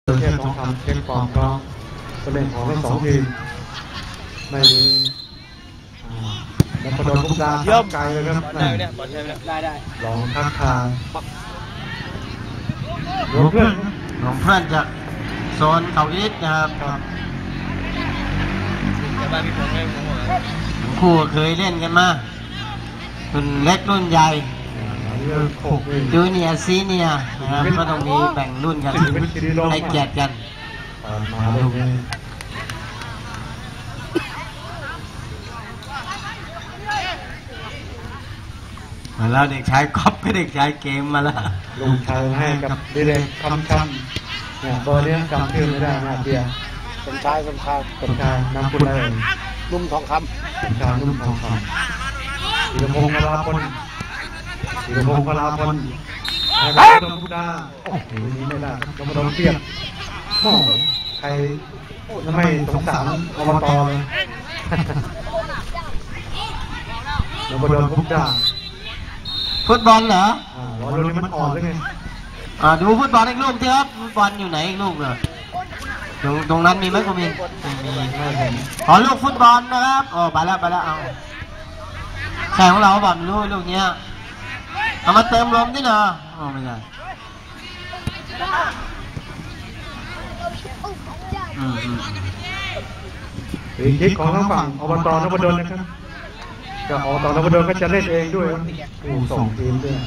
เช่นของคำเช็คความพร้อมผู้เล่นของทั้งสองทีมไม่มีนักประดมทุกดาวเยอะไกลเลยครับได้ลองทักทายหลวงเพื่อนจากโซนเขาอิฐนะครับคู่เคยเล่นกันมารุ่นเล็กรุ่นใหญ่จูเนียร์ซีเนียร์นะครับก็ต้องมีแบ่งรุ่นกันให้เกียรติกันมาลูกนี้มาแล้วเด็กชายก๊อฟก็เด็กชายเกมมาแล้วลุงชายให้กับดิเรกคำเนี่ยเบอร์นี้จำชื่อไม่ได้นะเบียร์สมชายนำคุณเลยนุ่มทองคำสมชายนุ่มทองคำธีรพงศ์พลาพลให้กับทุกดาโอ้โหนี้ไม่ได้ต้องมาโดนเทียบโอ้ใครไม่สงสารอบตเลยเรามาโดนทุกดาฟุตบอลเหรอวันนี้มันอ่อนเลยไงดูฟุตบอลอีกลูกเถอะครับฟุตบอลอยู่ไหนอีกลูกเหรอตรงนั้นมีไหมคุณมินขอลูกฟุตบอลนะครับไปแล้วเอาแข่งของเราบอลลูกเนี้ยเอามาเติมลมดิเนาะไม่ใช่คิดของทั้งฝั่งอบต.นพดลนะครับก็อบต.นพดลก็จะเล่นเองด้วยส่งทีมด้วย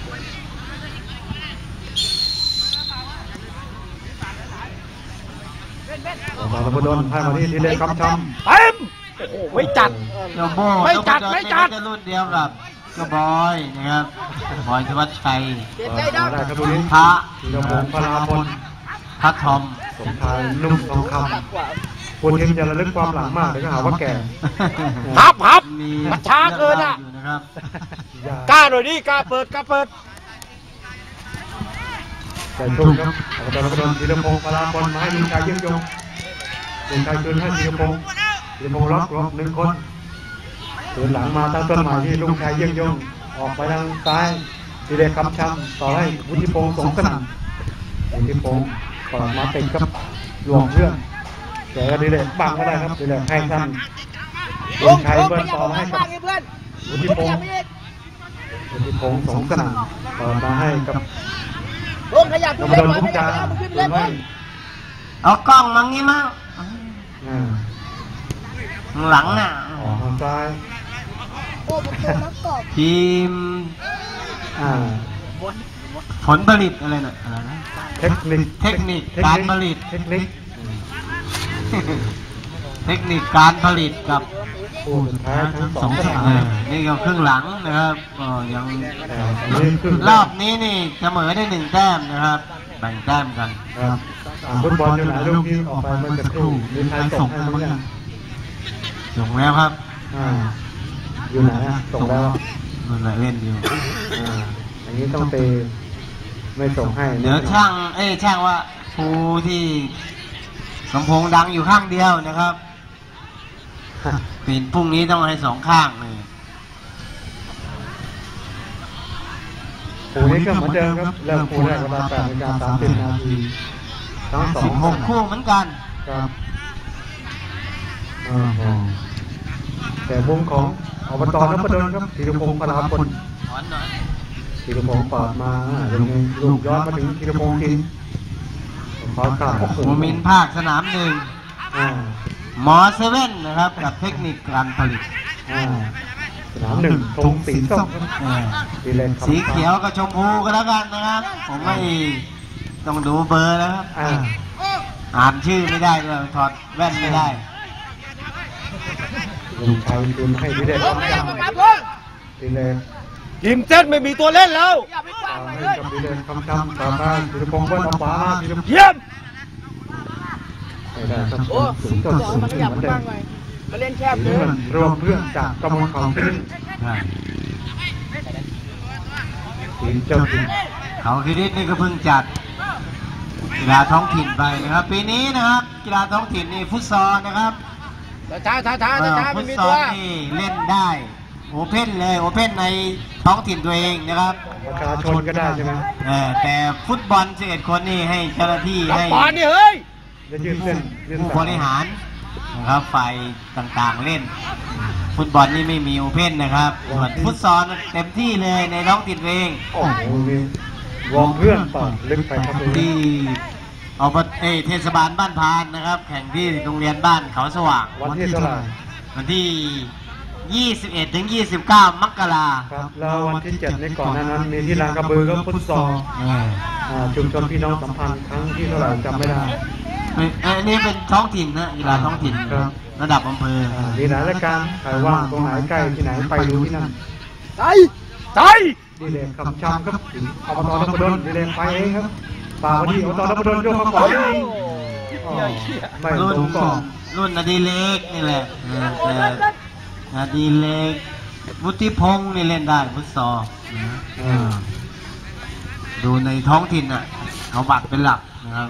อบต.นพดลให้มาที่ทีเล่นคำช้ำเต็มโอ้ไม่จัดไม่จัดรุ่นเดียวกับก็บอยนะครับบอยธวัชชัยได้ครับบุรีพระธีรพงศ์พลาพลพัททอมสมชายนุ่มทองคำคนทีมจะระลึกความหลังมากเลยก็หาว่าแก่พับมันช้าเกินอ่ะกล้าหน่อยดิกล้าเปิดแต่ช่วงครับอบต.นพดลธีรพงศ์พลาพลมาให้ลุงชายยิ่งยงลุงชายคืนให้ธีรพงศ์ล็อกหนึ่งคนคืนหลังมาตั้งต้นใหม่ที่ลุงชายยิ่งยงออกไปทางซ้ายทีเด็กคำช้ำต่อให้วุฒิพงศ์สงสนั่นวุฒิพงศ์เปิดมาติดกับหลวงเพื่อนแต่ก็ดีเลยบังก็ได้ครับดีเลยให้ท่านลุงชายเบิ้ลต่อให้กับวุฒิพงศ์สงสนั่นเปิดมาให้กับนพดลพุกจาเอากล้องมังงี้มั้งหลังน่ะทางซ้ายทีมผลผลิตอะไรน่ะเทคนิคการผลิตการผลิตกับสองนี่ก็ครึ่งหลังนะครับยังรอบนี้นี่เสมอได้1 แต้มนะครับแบ่งแต้มกันฟุตบอลอยู่ไหนลูกที่ออกไปเมื่อสักครู่มีใครส่งให้บ้างยังส่งแล้วครับอยู่ไหนส่งแล้วมันเล่นอยู่อย่างนี้ต้องเตะไม่ส่งให้เดี๋ยวช่างว่าครูที่สมพงษ์ดังอยู่ข้างเดียวนะครับเป็นพรุ่งนี้ต้องให้2 ข้างเลยครูนี้ก็เหมือนเดิมครับเริ่มครูแรกเวลา8:30 นาทีทั้ง 16 คู่เหมือนกันครับแต่มุมของอบต.นพดลครับธีรพงศ์พลาพลธีรพงศ์ปาดมาลูกย้อนมาถึงธีรพงศ์กินขอตัดโมมินภาคสนาม1หมอ7นะครับกับเทคนิคการผลิตสนาม1ธงสีส้มสีเขียวกับชมพูก็แล้วกันนะครับผมไม่ต้องดูเบอร์แล้วครับอ่านชื่อไม่ได้ด้วยถอดแว่นไม่ได้ลุงชัยคืนให้ดีเด่นดีเด่นทีมเส้นไม่มีตัวเล่นแล้วให้กับดีเด่นคำช้ำต่อไปธีรพงศ์เบิ้ลเอาขวาเยี่ยมไม่ได้ครับสูงต้นสูงขึ้นเหมือนเดิมเล่นแคบเลยรวมเพื่อนจากตำบลเขาคิริทีมเจ้าถิ่นเขาคิรินี่ก็เพิ่งจัดกีฬาท้องถิ่นไปนะครับปีนี้นะครับกีฬาท้องถิ่นนี่ฟุตซอลนะครับช้าฟุตซอลนี่เล่นได้โอเพ่นเลยโอเพ่นในท้องถิ่นตัวเองนะครับประชาชนก็ได้ใช่ไหมแต่ฟุตบอล11คนนี่ให้เจ้าหน้าที่ให้บอลนี่เฮ้ยจะยืดเส้นยืดผู้สายบริหารนะครับฝ่ายต่างๆเล่น ฟุตบอลนี่ไม่มีโอเพ่นนะครับส่วนฟุตซอลเต็มที่เลยในท้องถิ่นตัวเองโอ้โหมีวอร์มเพื่อนต่อลึกไปครับที่เอาเทศบาลบ้านพานนะครับ แข่งที่โรงเรียนบ้านเขาสว่างวันที่เท่าไหร่วันที่ 21 ถึง 29 มกราครับแล้ววันที่7ในก่อนนั้นมีที่ลานกระบือก็ฟุตซอลชุมชนพี่น้องสัมพันธ์ครั้งที่เท่าไหร่จำไม่ได้อันนี้เป็นท้องถิ่นนะกีฬาท้องถิ่นครับระดับอำเภอมีหลายรายการใครว่างตรงไหนใกล้ที่ไหนไปดูที่นั่นใจใจดีเลยคำชำครับอบตนพดลดีเลยไปเองครับป่าวันที่อบตนพดลยกมาก่อนนี่ไม่รุ่ตรงก่อนรุ่นอดีเล็กนี่แหละแต่อดีเล็กวุฒิพงศ์นี่เล่นได้ฟุตซอลดูในท้องถิ่นอ่ะเขาบัตรเป็นหลักนะครับ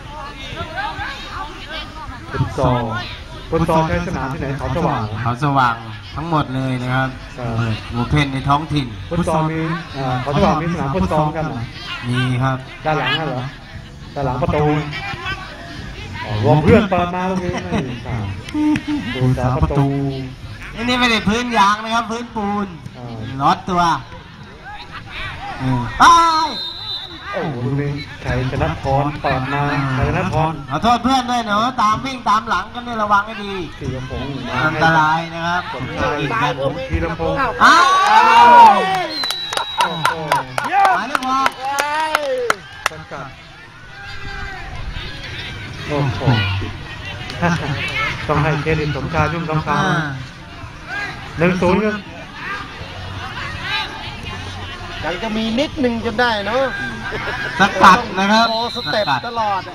ฟุตซอลใช้สนามที่ไหนเขาสว่างเขาสว่างทั้งหมดเลยนะครับโอเพ่นในท้องถิ่นฟุตซอลมีเขาสว่างมีสนามฟุตซอลกันเหรอมีครับด้านหลังน่ะเหรอด้านหลังประตูวงเพื่อนเปิดมาตรงนี้ไม่ทราบดูสาประตูอันนี้ไม่ได้พื้นยางนะครับ พื้นปูนลอดตัวไปโอ้โหดูนี่ชัยชนะพรเปิดมาชัยชนะพรขอโทษเพื่อนด้วยเนาะตามวิ่งตามหลังกันเนี่ยระวังให้ดีธีรพงศ์อันตรายนะครับสมชายธีรพงศ์อ้าวโอ้โหหมายเลขหกสกัดโอ้โหต้องให้เครดิตสมชายชุ่มทองคำ1-0ครับยังจะมีนิดนึงจนได้เนาะสกัดนะครับโอ้สเต็ปตลอด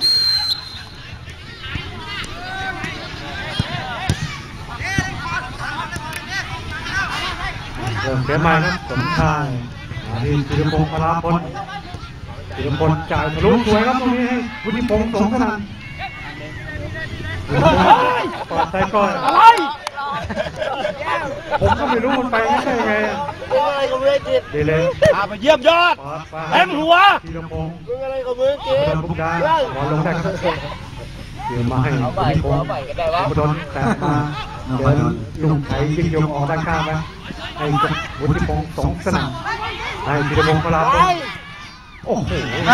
เริ่มเสียใหม่ครับสมชายที่ธีรพงศ์พลาพลธีรพลจ่ายทะลุสวยครับตรงนี้ให้วุฒิพงศ์สงขนานเปิดใส่ก่อนอะไรผมก็ไม่รู้มันไปไม่ใช่ไงอะไรกับมือจิตดีเลยพาไปเยี่ยมยอดเต็มหัวธีรพงศ์มึงอะไรกับมือจิตเดินบุกดาบอลลงได้ครับเดี๋ยวมาให้วุฒิพงศ์บุดลแตะมาเดินลุงไถยิงยงออกด้านข้างไปให้กับวุฒิพงศ์สงสนามให้ธีรพงศ์พลาพลโอ้โห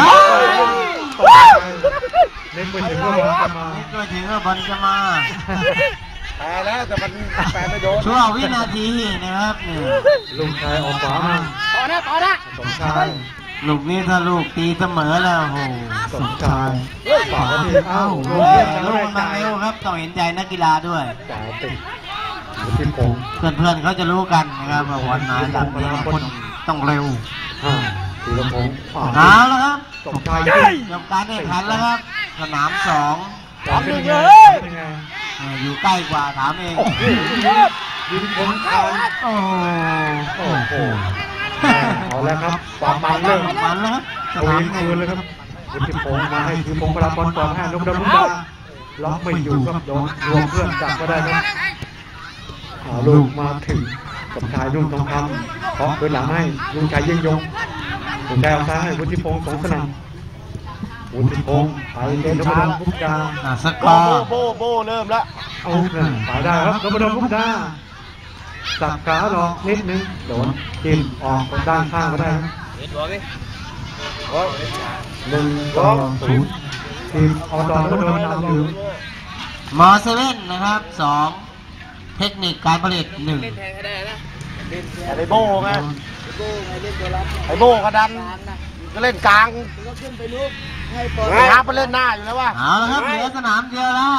เล่นไปถึงก็บอลจะมานี่ก็ถึงว่าบอลจะมาแปลแล้วแต่มันแปลไม่โดนช่วงวินาทีนะครับเนี่ยลุงชายออกขวามาต่อนะสมชายลูกนี้ถ้าลูกตีเสมอแล้วโอ้โหสมชายฝากที่เอ้าลงลูเพื่อนกันกไม่มันจ่ายเร็วครับต้องเห็นใจนักกีฬาด้วยจ่ายติดวุฒิพงศ์เพื่อนๆเขาจะรู้กันนะครับว่าบอลมาดับนี้ต้องเร็วธีรพงศ์เอาแล้วครับสมชายยิงจบการแข่งขันแล้วครับ สนามสองเป็นยังไงเป็นยังไงอยู่ใกล้กว่าถามเองโอ้โหยิงผลทานโอ้โอ้โหเอาแล้วครับความมันเริ่มมันแล้วครับสเอานามยิงหนึ่คืนงเลยครับวุฒิพงศ์มาให้ธีรพงศ์พลาพลก่อนให้นกดำมุกดาล็อกไม่อยู่ครับโดนรวมเพื่อนจับก็ได้ครับลูกมาถึงสมชายรุ่งทองคำเคาะพื้นหลังให้ลุงชายยิ่งยงลุงชายเอาซ้ายให้วุฒิพงศ์สงสนามวุฒิพงศ์ไปเล่นนพดลพุกดาสกอร์โบเริ่มแล้วเอาไปได้ครับนพดลพุกดาสับขาหลอกนิดนึงโดนจิ้มออกด้านข้างก็ได้ครับ1-0ทีมอบตนพดลนำอยู่มอเซเว่นนะครับสองเทคนิคการผลิตหนึ่งไอ้โบไงไอ้โบกระดันก็เล่นกลางไอ้ฮับไปเล่นหน้าอยู่แล้ววะเอาละครับเหลือสนามเดียวแล้ว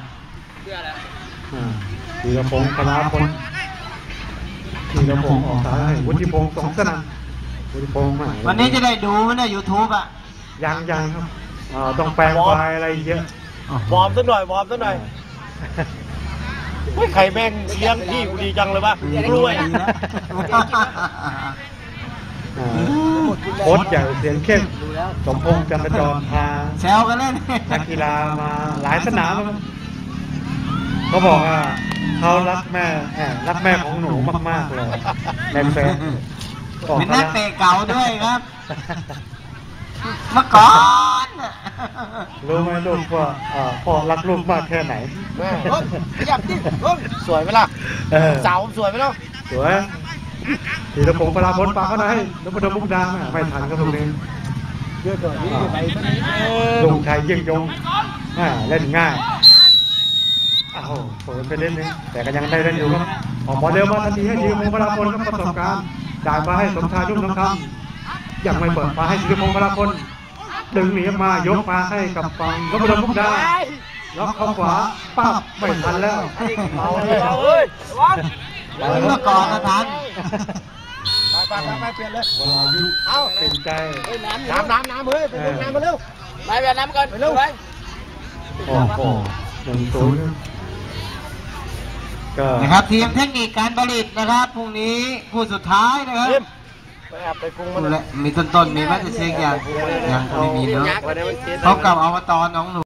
ธีรพงศ์พลาพลธีรพงศ์ออกซ้ายวุฒิพงศ์สองสนามวุฒิพงศ์วันนี้จะได้ดูไหมเนี่ย YouTube อ่ะยังครับต้องแปลงไฟล์อะไรเยอะวอร์มซะหน่อยใครแม่งเลี้ยงพี่กูดีจังเลยปะรวยโค้ชใหญ่เสียงเข้มสมพงษ์จันทจรพาแซวกันเล่นนักกีฬามาหลายสนามครับเขาบอกว่าเขารักแม่รักแม่ของหนูมากๆเลยในเฟซเป็นนักเตะเก่าด้วยครับเมื่อก่อนรู้ไหมลูกว่าพ่อรักลูกมากแค่ไหนแม่ขยับดิสวยไหมล่ะสาวสวยไหมล่ะสวยธีรพงศ์ปราพลปากเขาไหนแล้วมาโดนมุกดาไม่ทันก็ตรงนี้ลุงชัยยิ่งยงเล่นง่ายอ้าวเปิดไปเล่นนึงแต่ก็ยังได้เล่นอยู่ครับออกบอลเร็วมาทันทีให้ธีรพงศ์ปราพลก็ประสบการณ์จ่ายมาให้สมชายรุ่งทองคำยังไม่เปิดมาให้ธีรพงศ์ปราพลดึงหนีออกมายกมาให้กับฝั่งก็มาโดนมุกดาล็อกเข้าขวาปั๊บไม่ทันแล้วเอาเลยเมื่อก่อนนะทันไปเปลี่ยนเลยเวลายุเอาเป็นใจน้ำเฮ้ยไปลงน้ำมาเร็วไปแบบน้ำก่อนไปเร็วไปโอ้โห1-0ก็นะครับทีมเทคนิคการผลิตนะครับพรุ่งนี้คู่สุดท้ายนะครับไปปรุงมันมีต้นมีแมตช์เช็คยังไม่มีเนาะพบกับอบตหนองหนู